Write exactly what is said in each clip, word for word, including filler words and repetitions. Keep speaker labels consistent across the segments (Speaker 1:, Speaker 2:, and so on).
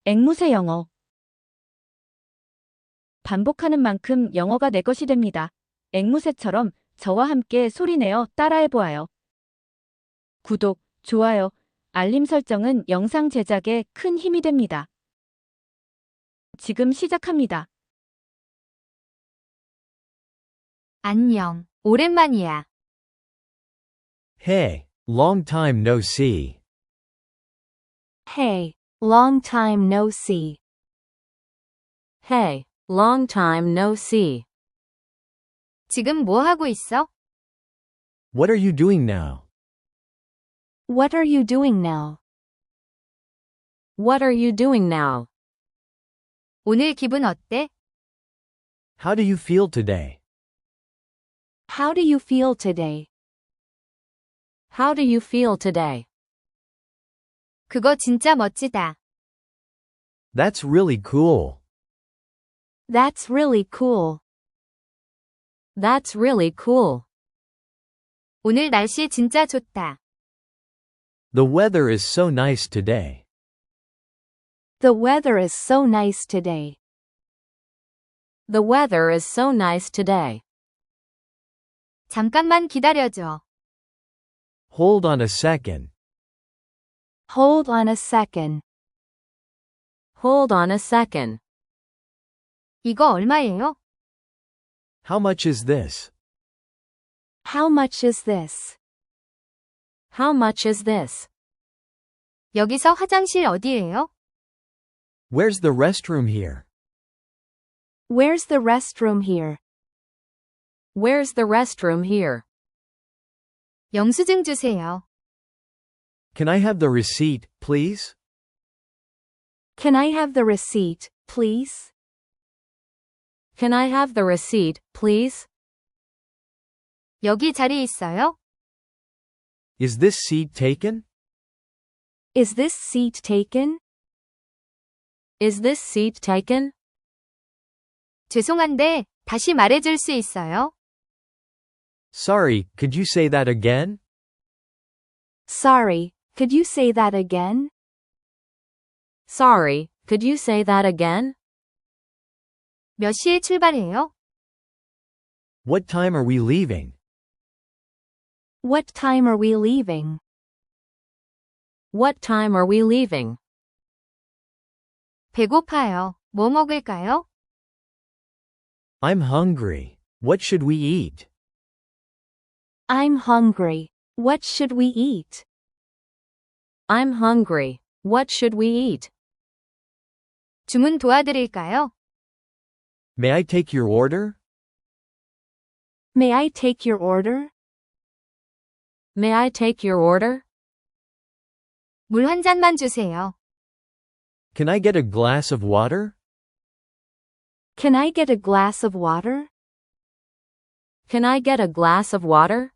Speaker 1: 앵무새 영어. 반복하는 만큼 영어가 내 것이 됩니다. 앵무새처럼 저와 함께 소리내어 따라해보아요. 구독, 좋아요, 알림 설정은 영상 제작에 큰 힘이 됩니다. 지금 시작합니다.
Speaker 2: 안녕, 오랜만이야.
Speaker 3: Hey, long time no see.
Speaker 2: Hey, long time no see. Hey, long time no see. 지금 뭐 하고 있어?
Speaker 3: What are you doing now?
Speaker 2: What are you doing now? What are you doing now? 오늘 기분 어때?
Speaker 3: How do you feel today?
Speaker 2: How do you feel today? How do you feel today? 그거 진짜 멋지다.
Speaker 3: That's really cool.
Speaker 2: That's really cool. That's really cool. 오늘 날씨 진짜 좋다.
Speaker 3: The weather is so nice today.
Speaker 2: The weather is so nice today. The weather is so nice today. 잠깐만 기다려줘.
Speaker 3: Hold on a second.
Speaker 2: Hold on a second. Hold on a second. 이거 얼마예요?
Speaker 3: How much is this?
Speaker 2: How much is this? How much is this? 여기서 화장실 어디예요?
Speaker 3: Where's the restroom here?
Speaker 2: Where's the restroom here? Where's the restroom here? 영수증 주세요.
Speaker 3: Can I have the receipt, please?
Speaker 2: Can I have the receipt, please? Can I have the receipt, please? 여기 자리 있어요?
Speaker 3: Is this seat taken?
Speaker 2: Is this seat taken? Is this seat taken? 죄송한데, 다시 말해줄 수 있어요?
Speaker 3: Sorry, could you say that again?
Speaker 2: Sorry, could you say that again? Sorry, could you say that again? 몇 시에 출발해요?
Speaker 3: What time are we leaving?
Speaker 2: What time are we leaving? What time are we leaving? 배고파요. 뭐 먹을까요?
Speaker 3: I'm hungry. What should we eat?
Speaker 2: I'm hungry. What should we eat? I'm hungry. What should we eat? 주문 도와드릴까요?
Speaker 3: May I take your order?
Speaker 2: May I take your order? May I take your order? 물 한 잔만 주세요.
Speaker 3: Can I get a glass of water?
Speaker 2: Can I get a glass of water? Can I get a glass of water?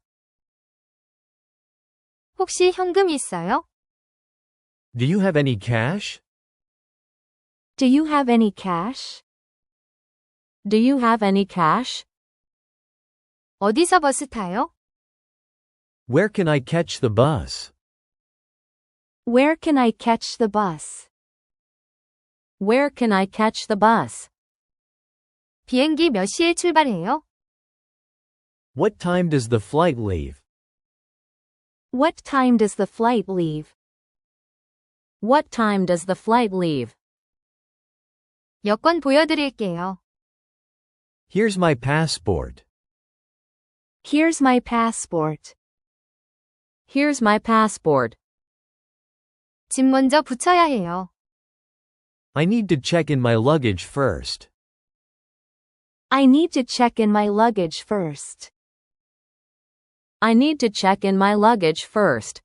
Speaker 2: 혹시 현금 있어요?
Speaker 3: Do you have any cash?
Speaker 2: Do you have any cash? Do you have any cash? 어디서 버스 타요?
Speaker 3: Where can I catch the bus?
Speaker 2: Where can I catch the bus? Where can I catch the bus? 비행기 몇 시에 출발해요?
Speaker 3: What time does the flight leave?
Speaker 2: What time does the flight leave? What time does the flight leave? 여권 보여드릴게요.
Speaker 3: Here's my passport.
Speaker 2: Here's my passport. Here's my passport. 짐 먼저 붙여야 해요.
Speaker 3: I need to check in my luggage first.
Speaker 2: I need to check in my luggage first. I need to check in my luggage first.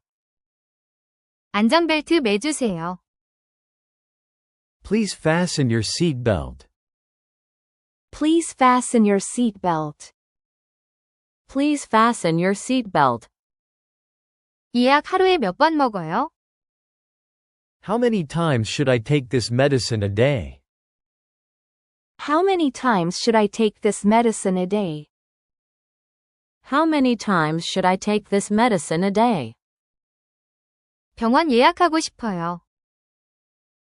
Speaker 2: 안전벨트 매주세요.
Speaker 3: Please fasten your seatbelt.
Speaker 2: Please fasten your seatbelt. Please fasten your seatbelt. 이 약 하루에 몇 번 먹어요?
Speaker 3: How many times should I take this medicine a day?
Speaker 2: How many times should I take this medicine a day? How many times should I take this medicine a day? 병원 예약하고 싶어요.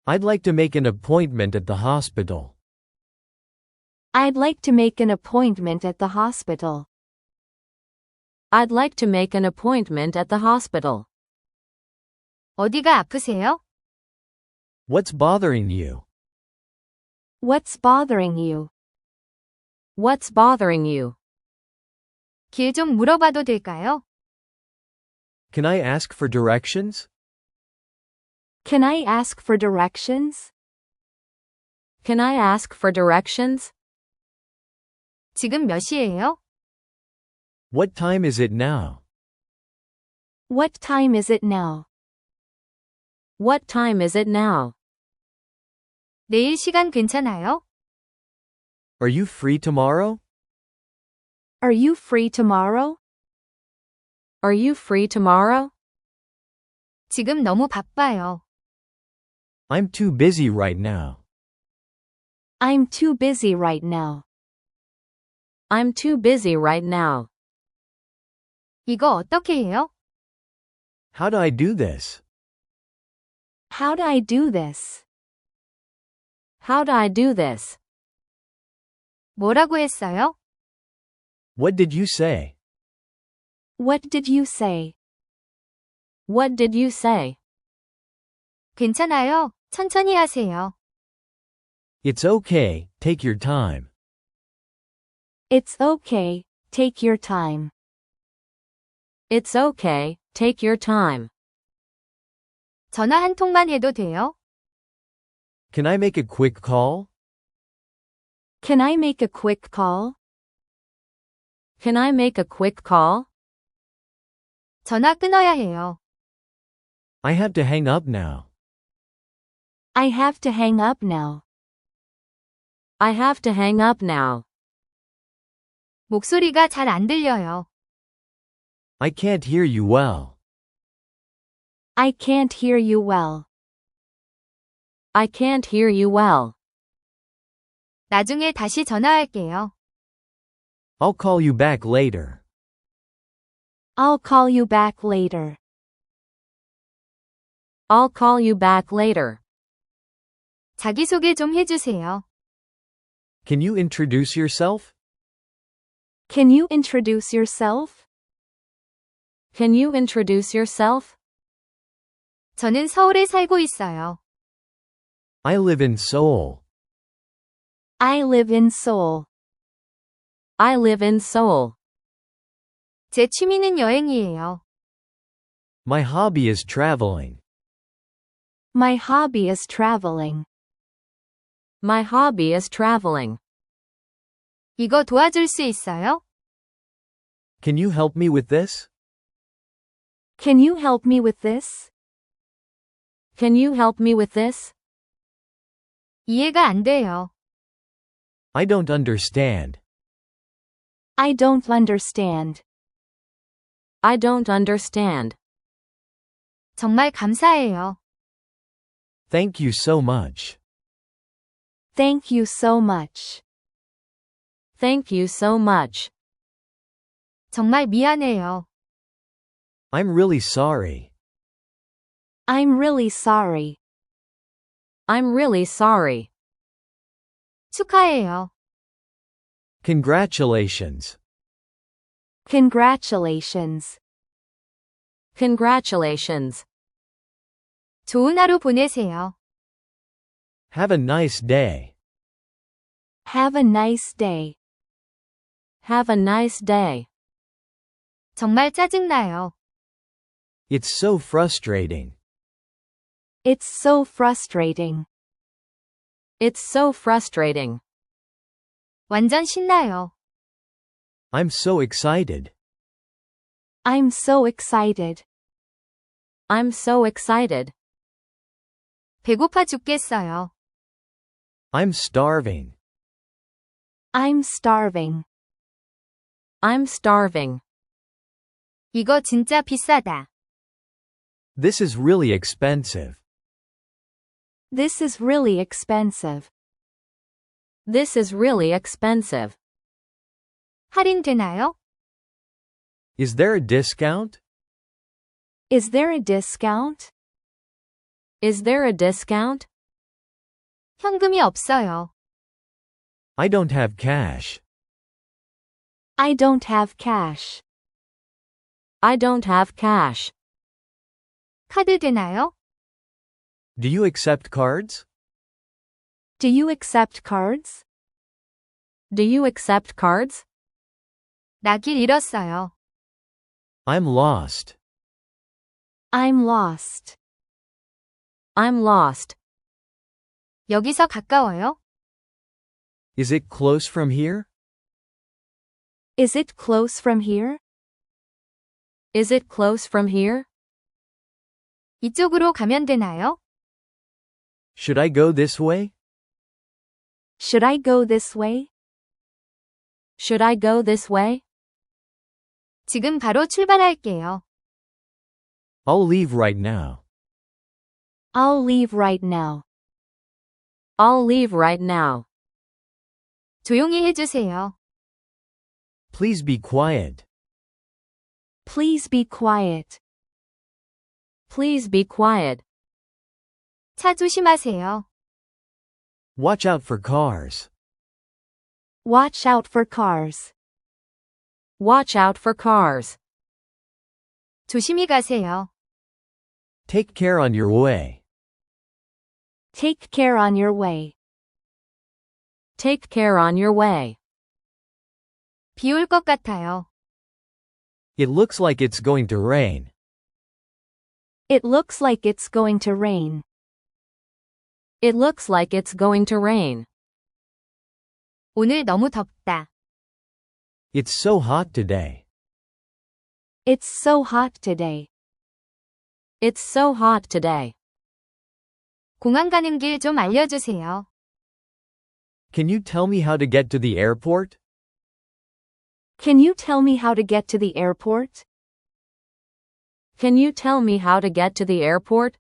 Speaker 3: I'd like to make an appointment at the hospital.
Speaker 2: I'd like to make an appointment at the hospital. I'd like to make an appointment at the hospital. 어디가 아프세요?
Speaker 3: What's bothering you?
Speaker 2: What's bothering you? What's bothering you? 길 좀 물어봐도 될까요?
Speaker 3: Can I ask for directions?
Speaker 2: Can I ask for directions? Can I ask for directions? 지금 몇 시예요?
Speaker 3: What time is it now?
Speaker 2: What time is it now? What time is it now? 내일 시간 괜찮아요?
Speaker 3: Are you free tomorrow?
Speaker 2: Are you free tomorrow? Are you free tomorrow? 지금 너무 바빠요.
Speaker 3: I'm too busy right now.
Speaker 2: I'm too busy right now. I'm too busy right now. 이거 어떻게 해요?
Speaker 3: How do I do this?
Speaker 2: How do I do this? How do I do this? 뭐라고 했어요?
Speaker 3: What did you say?
Speaker 2: What did you say? What did you say? 괜찮아요. 천천히 하세요.
Speaker 3: It's okay, take your time.
Speaker 2: It's okay. Take your time. It's okay. Take your time. 전화 한 통만 해도 돼요?
Speaker 3: Can I make a quick call?
Speaker 2: Can I make a quick call? Can I make a quick call? 전화 끊어야 해요.
Speaker 3: I have to hang up now.
Speaker 2: I have to hang up now. I have to hang up now. 목소리가 잘 안 들려요.
Speaker 3: I can't hear you well.
Speaker 2: I can't hear you well. I can't hear you well. 나중에 다시 전화할게요.
Speaker 3: I'll call you back later.
Speaker 2: I'll call you back later. I'll call you back later. 자기소개 좀 해주세요.
Speaker 3: Can you introduce yourself?
Speaker 2: Can you introduce yourself? Can you introduce yourself? 저는 서울에 살고 있어요.
Speaker 3: I live in Seoul.
Speaker 2: I live in Seoul. I live in Seoul. 제 취미는 여행이에요.
Speaker 3: My hobby is traveling.
Speaker 2: My hobby is traveling. My hobby is traveling. 이거 도와줄 수 있어요?
Speaker 3: Can you help me with this?
Speaker 2: Can you help me with this? Can you help me with this? 이해가 안 돼요.
Speaker 3: I don't understand.
Speaker 2: I don't understand. I don't understand. 정말 감사해요.
Speaker 3: Thank you so much.
Speaker 2: Thank you so much. Thank you so much. 정말 미안해요.
Speaker 3: I'm really sorry.
Speaker 2: I'm really sorry. I'm really sorry. 축하해요.
Speaker 3: Congratulations.
Speaker 2: Congratulations. Congratulations. 좋은 하루 보내세요.
Speaker 3: Have a nice day.
Speaker 2: Have a nice day. Have a nice day. 정말 짜증나요.
Speaker 3: It's so frustrating.
Speaker 2: It's so frustrating. It's so frustrating. 완전 신나요.
Speaker 3: I'm so excited.
Speaker 2: I'm so excited. I'm so excited. 배고파 죽겠어요.
Speaker 3: I'm starving.
Speaker 2: I'm starving. I'm starving. 이거 진짜 비싸다.
Speaker 3: This is really expensive.
Speaker 2: This is really expensive. This is really expensive. 할인되나요?
Speaker 3: Is there a discount?
Speaker 2: Is there a discount? Is there a discount? 현금이 없어요.
Speaker 3: I don't have cash.
Speaker 2: I don't have cash. I don't have cash. 카드 되나요?
Speaker 3: Do you accept cards?
Speaker 2: Do you accept cards? Do you accept cards? 나 길 잃었어요.
Speaker 3: I'm lost.
Speaker 2: I'm lost. I'm lost. 여기서 가까워요?
Speaker 3: Is it close from here?
Speaker 2: Is it close from here? Is it close from here? 이쪽으로 가면 되나요?
Speaker 3: Should I go this way?
Speaker 2: Should I go this way? Should I go this way? 지금 바로 출발할게요.
Speaker 3: I'll leave right now.
Speaker 2: I'll leave right now. I'll leave right now. 조용히 해주세요.
Speaker 3: Please be quiet.
Speaker 2: Please be quiet. Please be quiet. 차 조심하세요.
Speaker 3: Watch out for cars.
Speaker 2: Watch out for cars. Watch out for cars. 조심히 가세요.
Speaker 3: Take care on your way.
Speaker 2: Take care on your way. Take care on your way. 비 올 것 같아요.
Speaker 3: It looks like it's going to rain.
Speaker 2: It looks like it's going to rain. It looks like it's going to rain. 오늘 너무 덥다.
Speaker 3: It's so hot today.
Speaker 2: It's so hot today. It's so hot today. 공항 가는 길 좀 알려주세요.
Speaker 3: Can you tell me how to get to the airport?
Speaker 2: Can you tell me how to get to the airport? Can you tell me how to get to the airport?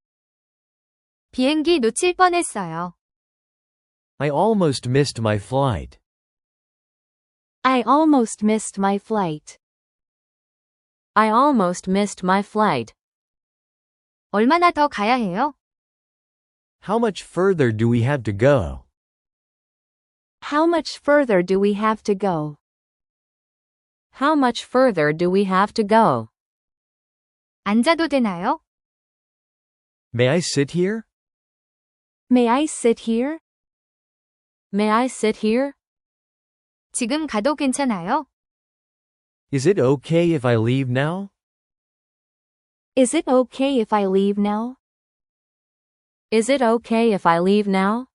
Speaker 2: 비행기 놓칠 뻔했어요.
Speaker 3: I almost missed my flight.
Speaker 2: I almost missed my flight. I almost missed my flight. 얼마나 더 가야 해요?
Speaker 3: How much further do we have to go?
Speaker 2: How much further do we have to go? How much further do we have to go? 앉아도 되나요?
Speaker 3: May I sit here?
Speaker 2: May I sit here? May I sit here? 지금 가도 괜찮아요?
Speaker 3: Is it okay if I leave now?
Speaker 2: Is it okay if I leave now? Is it okay if I leave now?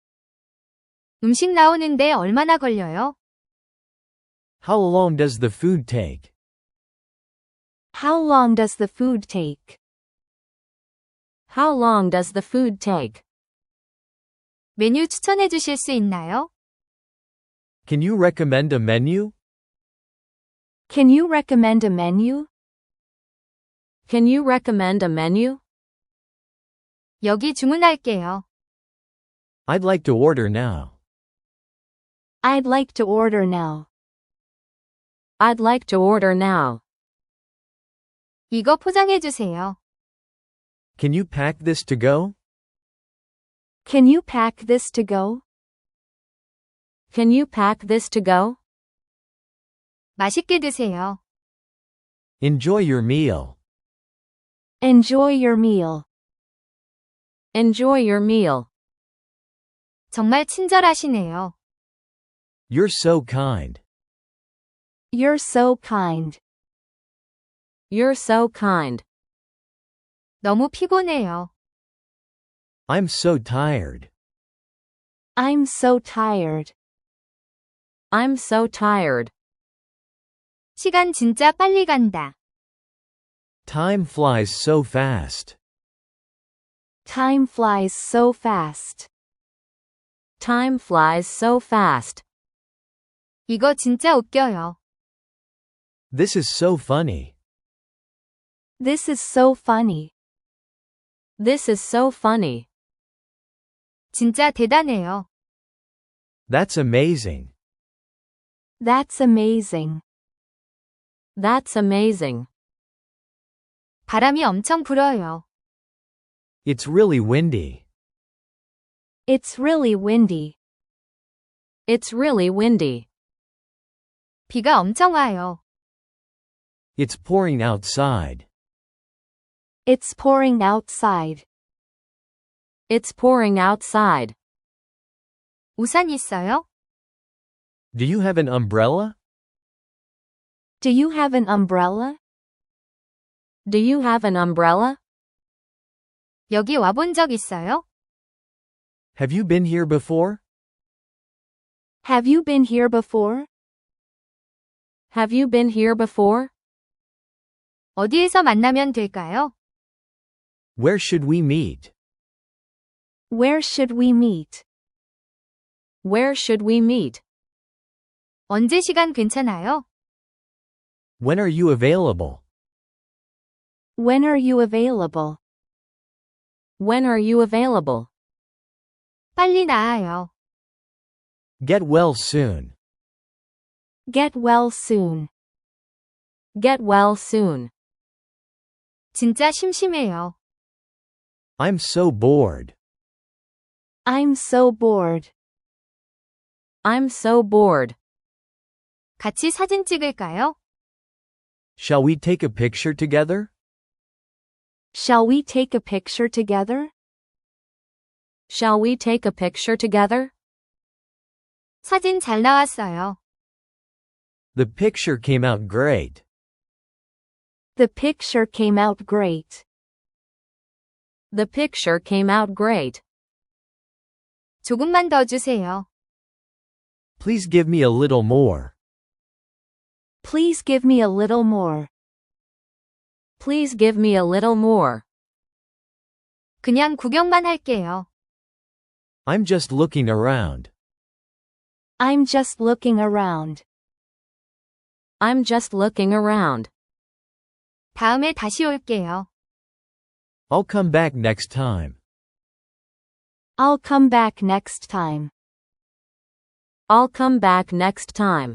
Speaker 2: 음식 나오는데 얼마나 걸려요?
Speaker 3: How long does the food take?
Speaker 2: How long does the food take? How long does the food take? 메뉴 추천해 주실 수 있나요?
Speaker 3: Can you recommend a menu?
Speaker 2: Can you recommend a menu? Can you recommend a menu? 여기 주문할게요.
Speaker 3: I'd like to order now.
Speaker 2: I'd like to order now. I'd like to order now. 이거 포장해 주세요.
Speaker 3: Can you pack this to go?
Speaker 2: Can you pack this to go? Can you pack this to go? 맛있게 드세요.
Speaker 3: Enjoy your meal.
Speaker 2: Enjoy your meal. Enjoy your meal. 정말 친절하시네요.
Speaker 3: You're so kind.
Speaker 2: You're so kind. You're so kind. 너무 피곤해요.
Speaker 3: I'm so tired.
Speaker 2: I'm so tired. I'm so tired. 시간 진짜 빨리 간다.
Speaker 3: Time flies so fast.
Speaker 2: Time flies so fast. Time flies so fast. 이거 진짜 웃겨요.
Speaker 3: This is so funny.
Speaker 2: This is so funny. This is so funny. 진짜 대단해요.
Speaker 3: That's amazing.
Speaker 2: That's amazing. That's amazing. 바람이 엄청 불어요.
Speaker 3: It's really windy.
Speaker 2: It's really windy. It's really windy. 비가 엄청 와요.
Speaker 3: It's pouring outside.
Speaker 2: It's pouring outside. It's pouring outside. 우산 있어요?
Speaker 3: Do you have an umbrella?
Speaker 2: Do you have an umbrella? Do you have an umbrella? 여기 와본 적 있어요?
Speaker 3: Have you been here before?
Speaker 2: Have you been here before? Have you been here before? 어디에서 만나면 될까요?
Speaker 3: Where should we meet?
Speaker 2: Where should we meet? Where should we meet? 언제 시간 괜찮아요?
Speaker 3: When are you available?
Speaker 2: When are you available? When are you available? 빨리 나아요.
Speaker 3: Get well soon.
Speaker 2: Get well soon. Get well soon. 진짜 심심해요.
Speaker 3: I'm so bored.
Speaker 2: I'm so bored. I'm so bored. 같이 사진 찍을까요?
Speaker 3: Shall we take a picture together?
Speaker 2: Shall we take a picture together? Shall we take a picture together? 사진 잘 나왔어요.
Speaker 3: The picture came out great.
Speaker 2: The picture came out great. The picture came out great. 조금만 더 주세요.
Speaker 3: Please give me a little more.
Speaker 2: Please give me a little more. Please give me a little more. 그냥 구경만 할게요.
Speaker 3: I'm just looking around.
Speaker 2: I'm just looking around. I'm just looking around. 다음에 다시 올게요.
Speaker 3: I'll come back next time.
Speaker 2: I'll come back next time. I'll come back next time.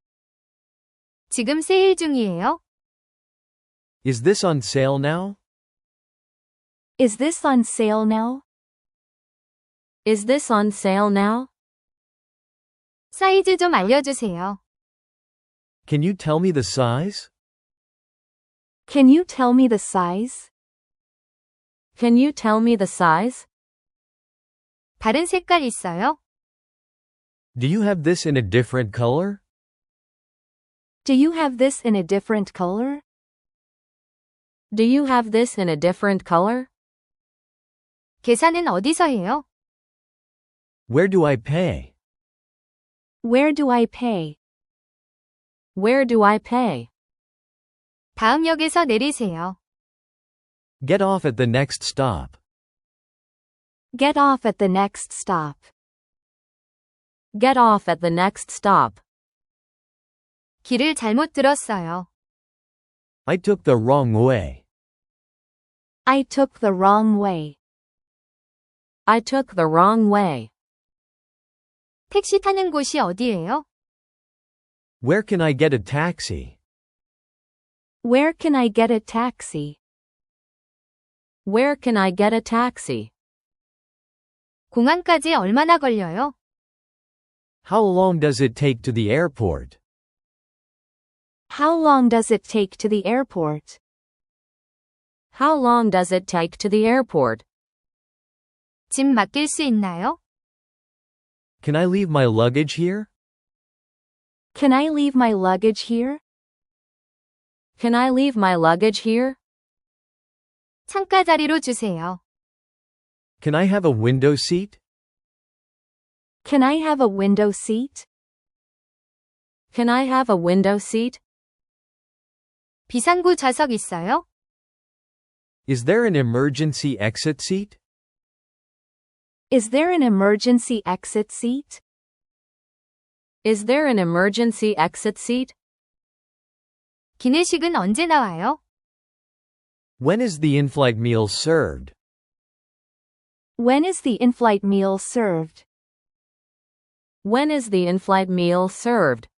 Speaker 2: 지금 세일 중이에요?
Speaker 3: Is this on sale now?
Speaker 2: Is this on sale now? Is this on sale now? 사이즈 좀 알려주세요.
Speaker 3: Can you tell me the size?
Speaker 2: Can you tell me the size? Can you tell me the size? 다른 색깔 있어요?
Speaker 3: Do you have this in a different color?
Speaker 2: Do you have this in a different color? Do you have this in a different color? 계산은 어디서 해요?
Speaker 3: Where do I pay?
Speaker 2: Where do I pay? Where do I pay? 다음 역에서 내리세요.
Speaker 3: Get off at the next stop.
Speaker 2: Get off at the next stop. Get off at the next stop. 길을 잘못 들었어요.
Speaker 3: I took the wrong way.
Speaker 2: I took the wrong way. I took the wrong way. 택시 타는 곳이 어디예요?
Speaker 3: Where can I get a taxi?
Speaker 2: Where can I get a taxi? Where can I get a taxi? 공항까지 얼마나 걸려요?
Speaker 3: How long does it take to the airport?
Speaker 2: How long does it take to the airport? How long does it take to the airport? 짐 맡길 수 있나요?
Speaker 3: Can I leave my luggage here?
Speaker 2: Can I leave my luggage here? Can I leave my luggage here? 창가 자리로 주세요.
Speaker 3: Can I have a window seat?
Speaker 2: Can I have a window seat? Can I have a window seat? 비상구 좌석 있어요?
Speaker 3: Is there an emergency exit seat?
Speaker 2: Is there an emergency exit seat? Is there an emergency exit seat? 기내식은 언제 나와요?
Speaker 3: When is the in-flight meal served?
Speaker 2: When is the in-flight meal served? When is the in-flight meal served?